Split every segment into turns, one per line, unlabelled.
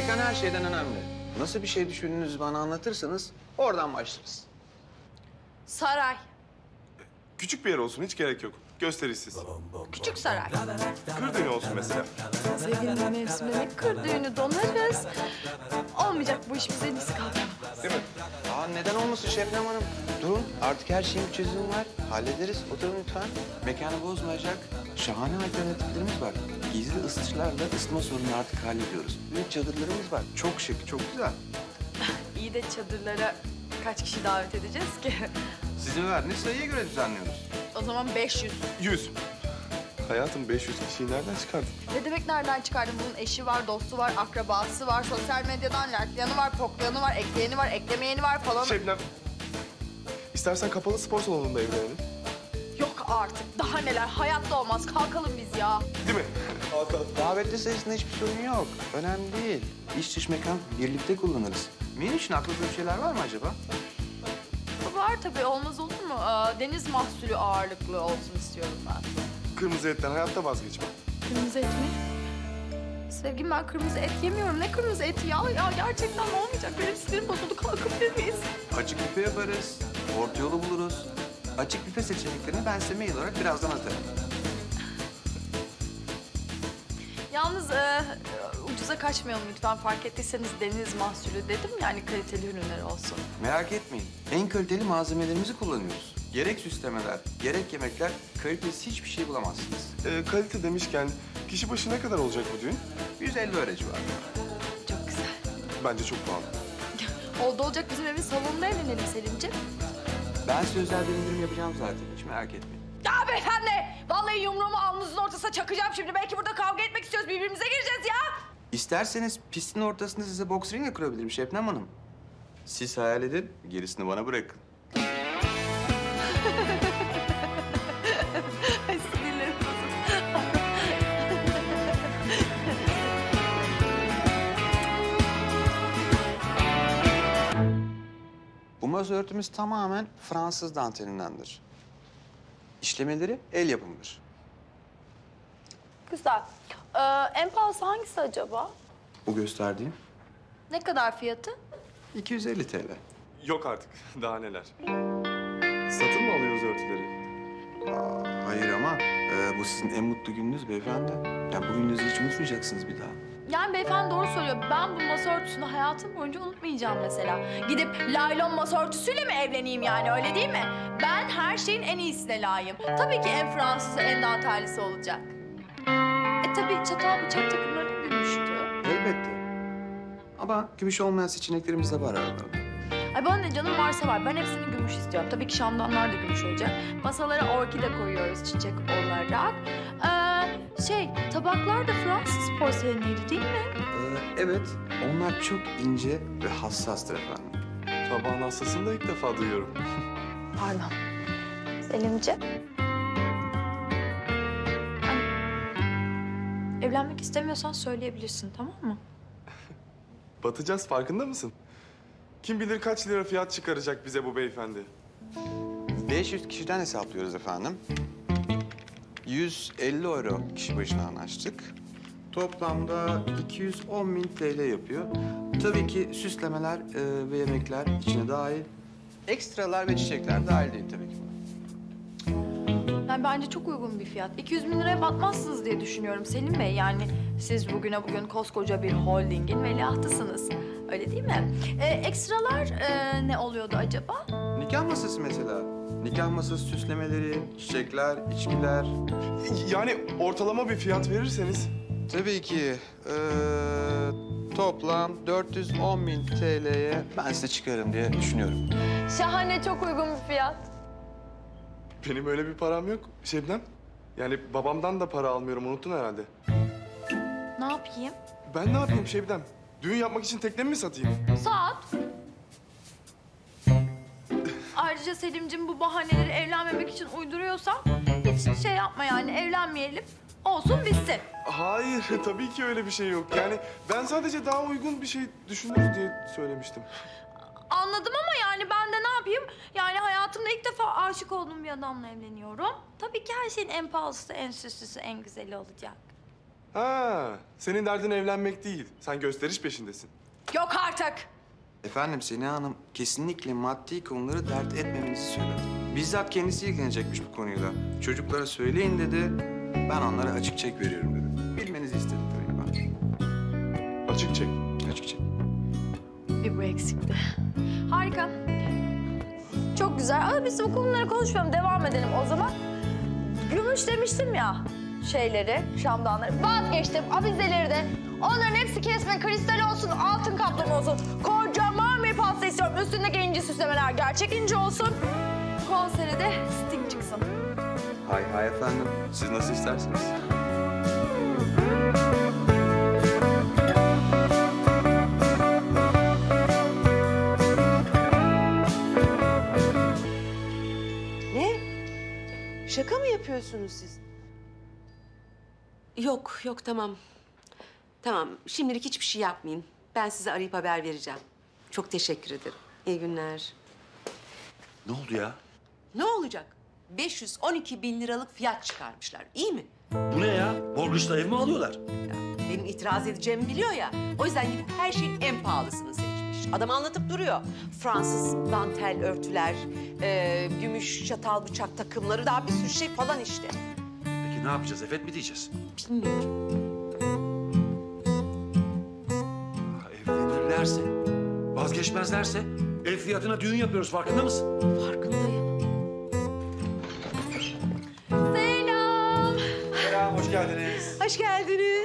Mekan her şeyden önemli. Nasıl bir şey düşündüğünüzü bana anlatırsanız oradan başlarız.
Saray.
Küçük bir yer olsun, hiç gerek yok. Gösterişsiz.
Küçük saray.
Kır düğünü olsun mesela.
Sevgili mevsimine kır düğünü donarız. Olmayacak bu iş bize biz kalkamaz.
Değil mi?
Aa, neden olmasın Şebnem Hanım? Durun, artık her şeyin bir çözümü var. Hallederiz. Oturun lütfen. Mekanı bozmayacak şahane alternatiflerimiz var. Gizli ısıtıcılarla ısıtma sorununu artık hallediyoruz. Büyük çadırlarımız var. Çok şık, çok güzel.
İyi de çadırlara kaç kişi davet edeceğiz ki?
Sizin verdiğiniz sayıya göre düzenliyoruz.
O zaman 500.
100. Hayatım 500 kişiyi nereden çıkardın?
Ne demek nereden çıkardın? Bunun eşi var, dostu var, akrabası var, sosyal medyadan like'layanı var, poklayanı var, ekleyeni var, eklemeyeni var falan.
Şebnem, istersen kapalı spor salonunda evlenelim.
Yok artık. Daha neler? Hayatta olmaz. Kalkalım biz ya.
Değil mi? Kalkalım.
Davetli sayısında hiçbir sorun yok. Önemli değil. İç dış mekan birlikte kullanırız. Benim için aklınızda bir şeyler var mı acaba?
Var tabii. Olmaz olur mu? Deniz mahsulü ağırlıklı olsun istiyorum ben.
Kırmızı etten hayatta vazgeçmem.
Kırmızı et mi? Sevgilim ben kırmızı et yemiyorum. Ne kırmızı eti ya? Ya gerçekten olmayacak. Benim sinirim bozuldu. Kalkabilir miyiz?
Açık büfe yaparız. Orta yolu buluruz. Açık büfe seçeneklerini ben size mail olarak birazdan atarım.
Yalnız ucuza kaçmayalım lütfen. Fark ettiyseniz deniz mahsulü dedim. Yani kaliteli ürünler olsun.
Merak etmeyin. En kaliteli malzemelerimizi kullanıyoruz. Gerek süslemeler, gerek yemekler, kalitesiz hiçbir şey bulamazsınız.
Kalite demişken kişi başı ne kadar olacak bu düğün?
150 öğrenci var.
Çok güzel.
Bence çok pahalı.
Oldu olacak bizim evin salonunda evlenelim Selimciğim.
Ben size özel bir indirim yapacağım zaten. Hiç merak etmeyin.
Ya beyefendi! Vallahi yumruğumu alnınızın ortasına çakacağım şimdi. Belki burada kavga etmek istiyoruz. Birbirimize gireceğiz ya.
İsterseniz pistin ortasında size boks ringi kurabilirim Şebnem Hanım. Siz hayal edin, gerisini bana bırakın.
Ay sinirlerim bozuldu.
Bu masa örtümüz tamamen Fransız dantelindendir. İşlemeleri el yapımıdır.
Güzel. En pahalısı hangisi acaba?
Bu gösterdiğim
Ne kadar fiyatı?
250 TL.
Yok artık, daha neler. Satın mı alıyoruz örtüleri?
Hayır ama bu sizin en mutlu gününüz beyefendi. Yani bu gününüzü hiç unutmayacaksınız bir daha.
Yani beyefendi doğru söylüyor. Ben bu masa örtüsünü hayatım boyunca unutmayacağım mesela. Gidip laylon masa örtüsüyle mi evleneyim yani öyle değil mi? Ben her şeyin en iyisine layığım. Tabii ki en Fransızı, en dantellisi olacak. Tabii çatal bıçak takımları da gümüştü.
Elbette. Ama gümüş olmayan seçeneklerimiz de var aralarında.
Ay bana ne canım varsa var. Ben hepsini gümüş istiyorum. Tabii ki şamdanlar da gümüş olacak. Masalara orkide koyuyoruz çiçek olarak. Tabaklar da Fransız porseleniydi değil mi?
Evet, onlar çok ince ve hassastır efendim.
Tabağın hastasını da ilk defa duyuyorum.
Pardon. Selimciğim. Evlenmek istemiyorsan söyleyebilirsin tamam mı?
Batacağız, farkında mısın? Kim bilir kaç lira fiyat çıkaracak bize bu beyefendi.
500 kişiden hesaplıyoruz efendim. 150 euro kişi başına anlaştık. Toplamda 210.000 TL yapıyor. Tabii ki süslemeler ve yemekler içine dahil. Ekstralar ve çiçekler dahil değil tabii ki.
Yani bence çok uygun bir fiyat. 200 bin liraya batmazsınız diye düşünüyorum Selim Bey. Yani siz bugüne bugün koskoca bir holdingin veliahtısınız. Öyle değil mi? Ekstralar ne oluyordu acaba?
Nikah masası mesela. Nikah masası süslemeleri, çiçekler, içkiler.
Yani ortalama bir fiyat verirseniz...
Tabii ki toplam 410.000 TL'ye ben size çıkarım diye düşünüyorum.
Şahane, çok uygun bir fiyat.
Benim öyle bir param yok Şebnem. Yani babamdan da para almıyorum, unuttun herhalde.
Ne yapayım?
Ben ne yapayım Şebnem? Düğün yapmak için teknemi mi satayım?
Saat. Ayrıca Selim'cim bu bahaneleri evlenmemek için uyduruyorsan hiç şey yapma yani evlenmeyelim. Olsun bitsin.
Hayır, tabii ki öyle bir şey yok. Yani ben sadece daha uygun bir şey düşünürüz diye söylemiştim.
Anladım ama yani ben de ne yapayım? Yani hayatımda ilk defa aşık olduğum bir adamla evleniyorum. Tabii ki her şeyin en pahalısı, en süslüsü, en güzeli olacak.
Ha, senin derdin evlenmek değil. Sen gösteriş peşindesin.
Yok artık.
Efendim Sena Hanım kesinlikle maddi konuları dert etmemenizi söyledi. Bizzat kendisi ilgilenecekmiş bu konuyla. Çocuklara söyleyin dedi. Ben onlara açık çek veriyorum dedi. Bilmenizi istedim tabii ben.
Açık çek.
Açık çek.
Bir bu eksikti. Harika. Çok güzel. Ama biz bu konuları konuşmayalım. Devam edelim o zaman. Gümüş demiştim ya şeyleri, şamdanları. Vazgeçtim. Avizeleri de. Onların hepsi kesme, kristal olsun, altın kaplama olsun. Kocaman bir pasta istiyorum. Üstündeki inci süslemeler gerçek inci olsun. Konsere de Sting çıksın.
Hay hay efendim. Siz nasıl isterseniz.
Ne? Şaka mı yapıyorsunuz siz?
Yok, yok tamam. Tamam, şimdilik hiçbir şey yapmayın. Ben size arayıp haber vereceğim. Çok teşekkür ederim. İyi günler.
Ne oldu ya?
Ne olacak? 512 bin liralık fiyat çıkarmışlar. İyi mi?
Bu ne ya? Morgıç'ta ev mi alıyorlar?
Benim itiraz edeceğimi biliyor ya. O yüzden gidip her şeyin en pahalısını seçmiş. Adam anlatıp duruyor. Fransız dantel örtüler, gümüş çatal bıçak takımları, daha bir sürü şey falan işte.
Peki ne yapacağız? Evet mi diyeceğiz?
Bilmiyorum.
Evlenirlerse, vazgeçmezlerse ev fiyatına düğün yapıyoruz. Farkında mısın?
Farkındayım.
Selam.
Selam, hoş geldiniz.
Hoş geldiniz.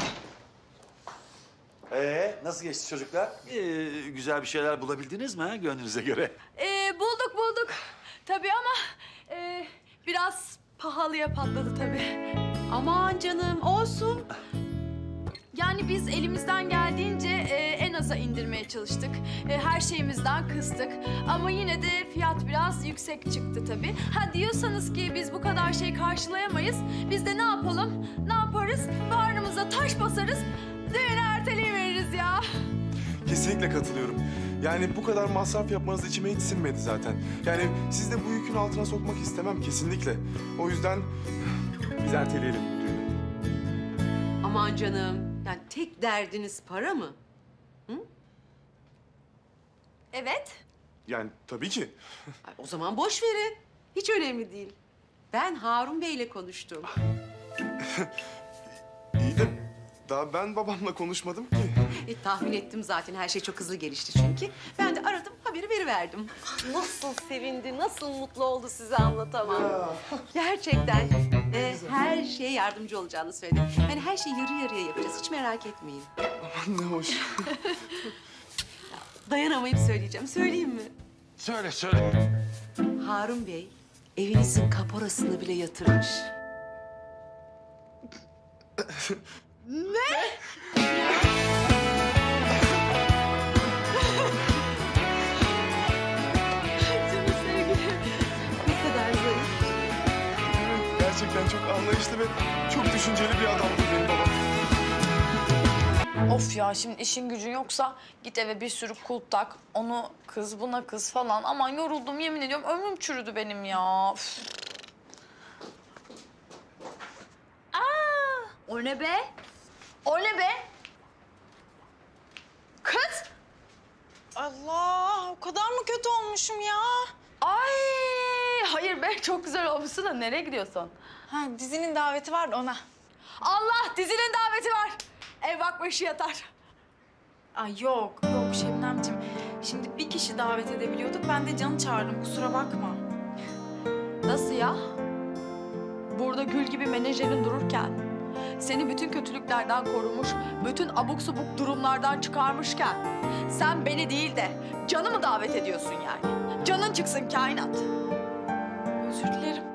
Nasıl geçti çocuklar? Güzel bir şeyler bulabildiniz mi ha, gönlünüze göre?
Bulduk. Tabii ama biraz pahalıya patladı tabii.
Aman canım, olsun.
Yani biz elimizden geldiğince en aza indirmeye çalıştık. Her şeyimizden kıstık. Ama yine de fiyat biraz yüksek çıktı tabii. Ha diyorsanız ki biz bu kadar şey karşılayamayız. Biz de ne yapalım? Ne yaparız? Bağrımıza taş basarız. Düğünü erteleyiveririz ya.
Kesinlikle katılıyorum. Yani bu kadar masraf yapmanız içime hiç sinmedi zaten. Yani siz de bu yükün altına sokmak istemem kesinlikle. O yüzden biz erteleyelim düğünü.
Aman canım, yani tek derdiniz para mı?
Evet.
Yani tabii ki.
Ay, o zaman boş verin. Hiç önemli değil. Ben Harun Bey'le konuştum.
İyi de daha ben babamla konuşmadım ki.
Tahmin ettim zaten, her şey çok hızlı gelişti çünkü. Ben de aradım, haberi veriverdim. Nasıl sevindi, nasıl mutlu oldu size anlatamam. Gerçekten her şeye yardımcı olacağını söyledi. Yani her şeyi yarı yarıya yapacağız, hiç merak etmeyin.
Ne hoş.
Dayanamayıp söyleyeceğim, söyleyeyim mi?
Söyle, söyle.
Harun Bey, evinizin kaporasını bile yatırmış.
Canım sevgilim.
Ne kadar zarif.
Gerçekten çok anlayışlı ve çok düşünceli bir adamdı benim babam.
Of ya şimdi işin gücün yoksa git eve bir sürü kulp tak. Onu kız buna kız falan. Aman yoruldum yemin ediyorum ömrüm çürüdü benim ya. Üf. Aa, o ne be? O ne be? Kız!
Allah, o kadar mı kötü olmuşum ya?
Ay hayır be çok güzel olmuşsun da nereye gidiyorsun?
Ha, dizinin daveti var da ona.
Allah dizinin daveti var. Ev bakma işi yatar.
Ay yok Şebnemciğim. Şimdi bir kişi davet edebiliyorduk. Ben de Can'ı çağırdım, kusura bakma.
Nasıl ya? Burada gül gibi menajerin dururken, seni bütün kötülüklerden korumuş, bütün abuk subuk durumlardan çıkarmışken, sen beni değil de Can'ı mı davet ediyorsun yani? Canın çıksın kainat.
Özür dilerim.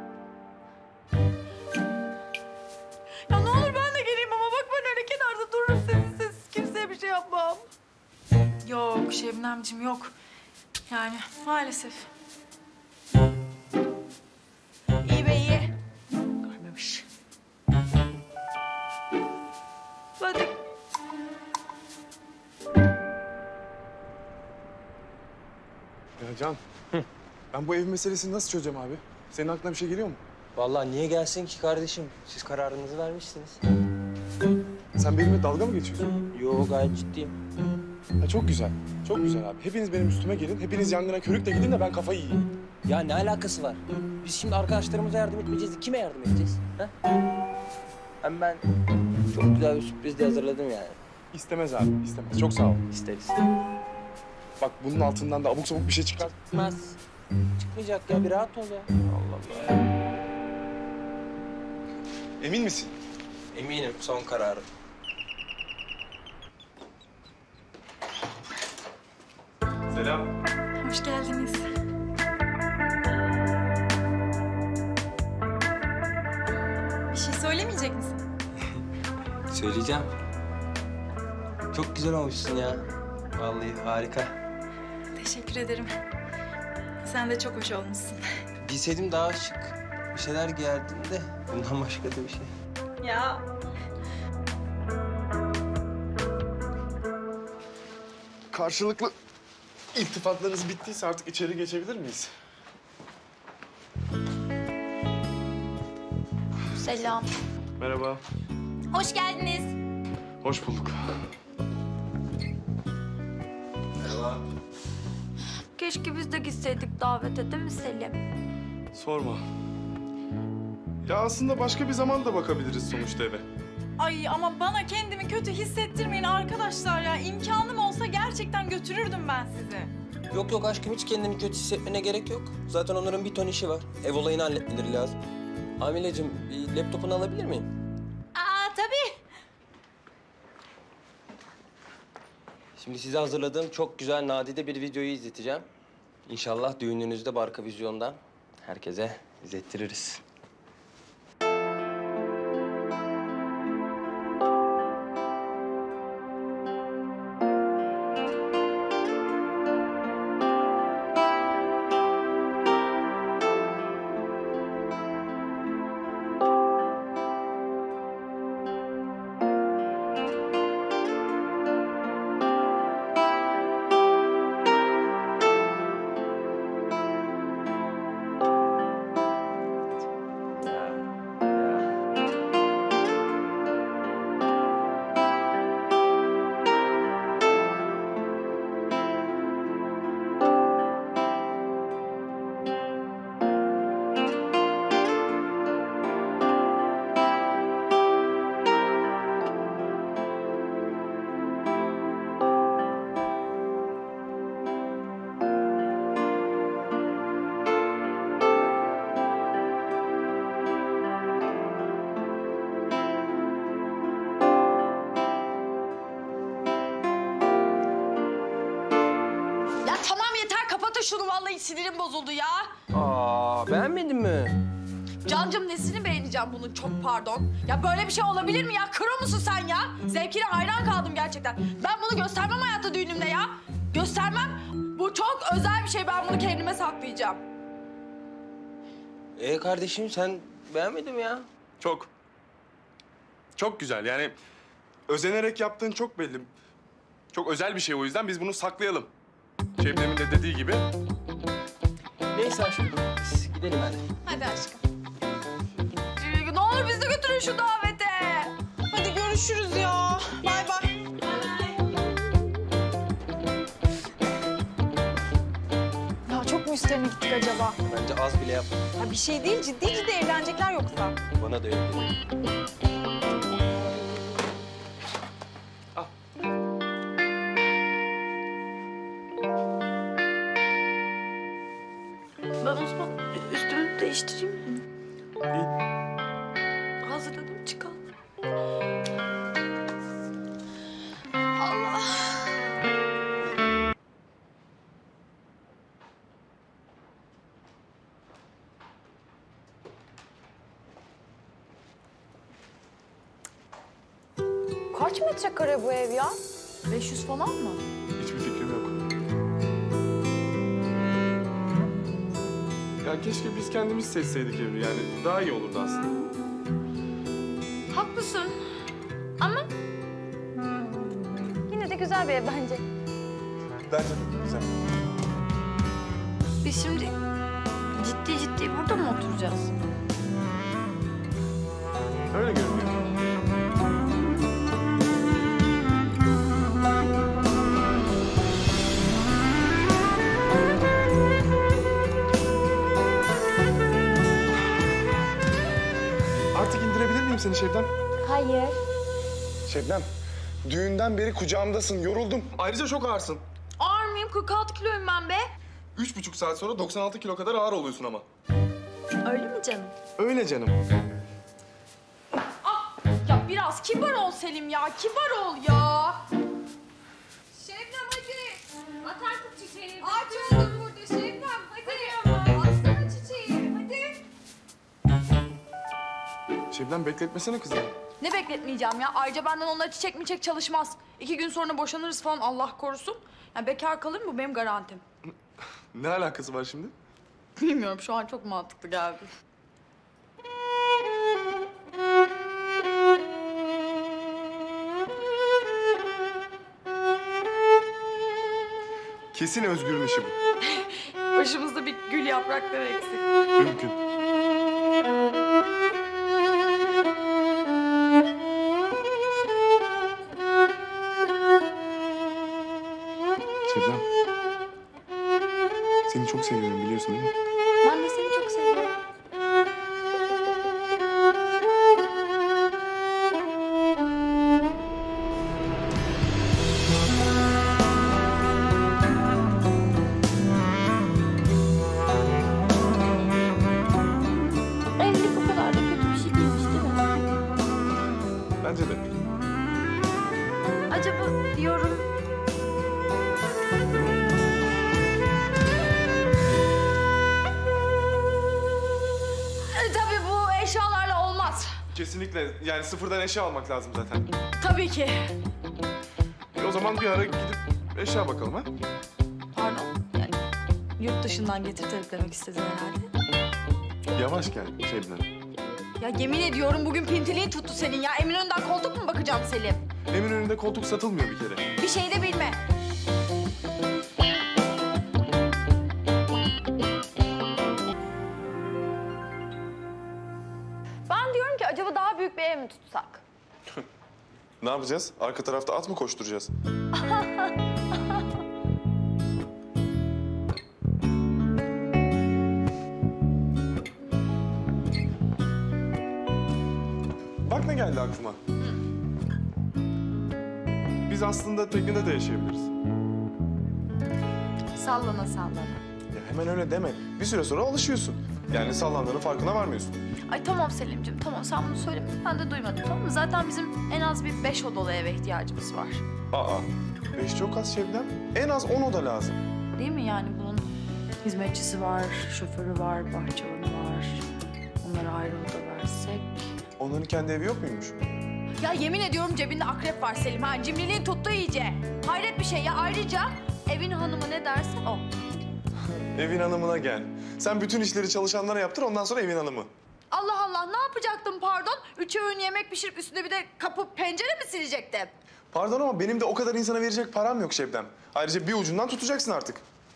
Ya ne olur ben de geleyim ama bak ben öyle kenarda dururum sessiz, kimseye bir şey yapmam.
Yok Şebnemciğim yok. Yani maalesef.
İyi be iyi. Görmemiş. Hadi.
Ya Can, ben bu ev meselesini nasıl çözeceğim abi? Senin aklına bir şey geliyor mu?
Vallahi niye gelsin ki kardeşim? Siz kararınızı vermişsiniz.
Sen benimle dalga mı geçiyorsun?
Yo gayet ciddiyim.
Ha, çok güzel. Çok güzel abi. Hepiniz benim üstüme gelin. Hepiniz yangına körükle gidin de ben kafayı yiyeyim.
Ya ne alakası var? Biz şimdi arkadaşlarımıza yardım etmeyeceğiz. Kime yardım edeceğiz? Ha? Hem ben çok güzel bir sürpriz de hazırladım yani.
İstemez abi, istemez. Çok sağ ol.
İsteriz.
Bak bunun altından da abuk sabuk bir şey çıkar.
Çıkmaz. Çıkmayacak ya. Bir rahat ol ya. Allah Allah.
Emin misin?
Eminim son kararım.
Selam.
Hoş geldiniz. Bir şey söylemeyecek misin?
Söyleyeceğim. Çok güzel olmuşsun ya. Vallahi harika.
Teşekkür ederim. Sen de çok hoş olmuşsun.
Giyseydim daha şık bir şeyler giyerdim de bundan başka da bir şey.
Ya
Karşılıklı iltifatlarınız bittiyse artık içeri geçebilir miyiz?
Selam.
Merhaba.
Hoş geldiniz.
Hoş bulduk.
Keşke biz de gitseydik davete, değil mi Selim?
Sorma. Ya aslında başka bir zaman da bakabiliriz sonuçta eve.
ay ama bana kendimi kötü hissettirmeyin arkadaşlar ya. İmkanım olsa gerçekten götürürdüm ben sizi.
Yok yok aşkım hiç kendini kötü hissetmene gerek yok. Zaten onların bir ton işi var. Ev olayını halletmeleri lazım. Hamilecim bir laptopunu alabilir miyim?
Aa tabii.
Şimdi size hazırladığım çok güzel nadide bir videoyu izleteceğim. İnşallah düğününüzde Barka Vizyon'dan herkese izlettiririz.
Ya tamam yeter, kapatın şunu, vallahi sinirim bozuldu ya.
Aa beğenmedin mi?
Cancım nesini beğeneceğim bunun, çok pardon. Ya böyle bir şey olabilir mi ya? Kro musun sen ya? Zevkine hayran kaldım gerçekten. Ben bunu göstermem hayatta düğünümde ya. Göstermem. Bu çok özel bir şey, ben bunu kendime saklayacağım.
Kardeşim sen beğenmedin mi ya?
Çok. Çok güzel yani özenerek yaptığın çok belli. Çok özel bir şey o yüzden biz bunu saklayalım. Şebnem'in de dediği gibi.
Neyse aşkım biz gidelim hadi.
Hadi aşkım.
Ne olur bizi de götürün şu davete.
Hadi görüşürüz ya. Bay bay. Ya çok mu üstlerine gittik acaba?
Bence az bile yap.
Ya bir şey değil, ciddi ciddi evlenecekler yoksa.
Bana da öyle geliyor.
Ben o zaman üstümü değiştireyim mi? Hazırladım, çıkalım. Allah.
Kaç metrekare bu ev ya?
500 falan mı?
Hiçbir fikrim yok. Ya keşke biz kendimiz seçseydik evi yani daha iyi olurdu aslında.
Haklısın. Ama
Yine de güzel bir ev bence.
Bence de güzel.
biz şimdi ciddi ciddi burada mı oturacağız?
Öyle görünüyor. Şebnem?
Hayır.
Şebnem, düğünden beri kucağımdasın, yoruldum. Ayrıca çok ağırsın.
Ağır mıyım? 46 kiloyum ben be.
3,5 saat sonra 96 kilo kadar ağır oluyorsun ama.
Öyle mi canım?
Öyle canım.
Ya biraz kibar ol Selim ya. Kibar ol ya.
Şebnem hadi. At artık çiçeğini. Ağaç oldum burada Şebnem. Hadi. Atsana çiçeği. Hadi.
Şebnem bekletmesene kızı.
Ne bekletmeyeceğim ya? Ayrıca benden onlara çiçek miçek çalışmaz. 2 gün sonra boşanırız falan Allah korusun. Yani bekar kalır mı benim garantim.
Ne alakası var şimdi?
Bilmiyorum şu an çok mantıklı geldi.
Kesin Özgür'ün işi bu.
Başımızda bir gül yaprakları eksik.
Mümkün. Şebnem. Seni çok seviyorum biliyorsun değil mi?
Ben de seni çok seviyorum.
Evlilik o kadar da kötü bir şey değilmiş değil mi?
Bence de.
Acaba diyorum... Tabii bu eşyalarla olmaz.
Kesinlikle. Yani sıfırdan eşya almak lazım zaten.
Tabii ki.
O zaman bir ara gidip eşya bakalım ha?
Pardon. Yani yurt dışından getirterek demek istedin herhalde.
Yavaş gel Şebnem.
Ya yemin ediyorum bugün pintiliğin tuttu senin ya. Eminönü'nden koltuk mu bakacağım Selim?
Eminönü'nde koltuk satılmıyor bir kere.
Bir şey de bilme.
Ben diyorum ki acaba daha büyük bir ev mi tutsak?
Ne yapacağız? Arka tarafta at mı koşturacağız? Bak ne geldi aklıma. Biz aslında teknede de yaşayabiliriz.
Sallana sallana.
Ya hemen öyle deme. Bir süre sonra alışıyorsun. Yani sallandığının farkına varmıyorsun.
Ay tamam Selim'ciğim tamam sen bunu söyleme. Ben de duymadım tamam mı? Zaten bizim en az bir 5 odalı eve ihtiyacımız var.
Aa, 5 çok az Şebnem. En az 10 oda lazım.
Değil mi yani bunun hizmetçisi var, şoförü var, bahçıvanı var. Onlara ayrı oda versek.
Onların kendi evi yok muymuş?
Ya yemin ediyorum cebinde akrep var Selim ha. Cimriliğin tuttu iyice. Hayret bir şey ya. Ayrıca evin hanımı ne derse o.
Evin hanımına gel. Sen bütün işleri çalışanlara yaptır, ondan sonra evin hanımı.
Allah Allah ne yapacaktım pardon? 3 öğün yemek pişirip üstüne bir de kapı pencere mi silecektim?
Pardon ama benim de o kadar insana verecek param yok Şebnem. Ayrıca bir ucundan tutacaksın artık.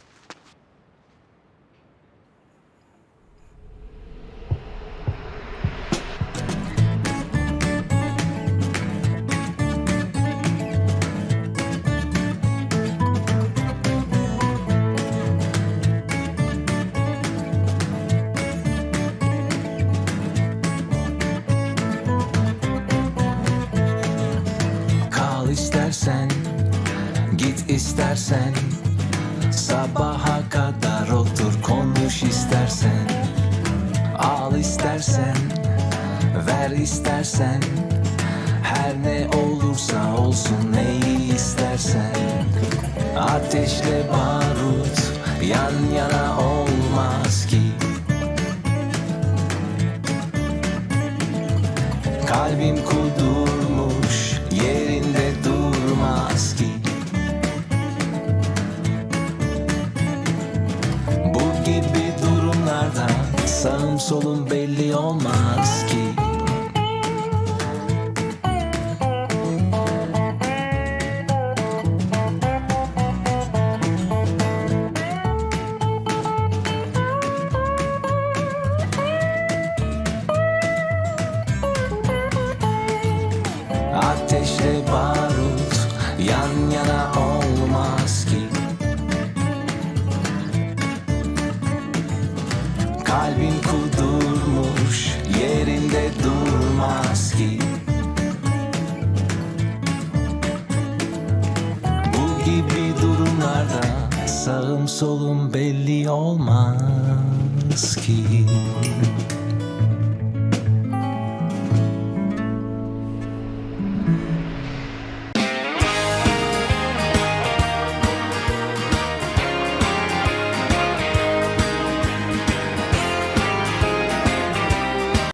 Kal istersen, git istersen, sabaha kadar otur konuş istersen, al istersen, ver istersen, her ne olursa olsun neyi istersen. Ateşle barut yan yana olmaz ki, kalbim kudurmuş yerinde durmaz ki. Bu gibi durumlarda sağım solum belli olmaz ki. Ateşle barut yan yana olmaz ki. Kalbim kudurmuş yerinde durmaz. olmaz ki. Bu gibi durumlarda sağım solum belli olmaz ki.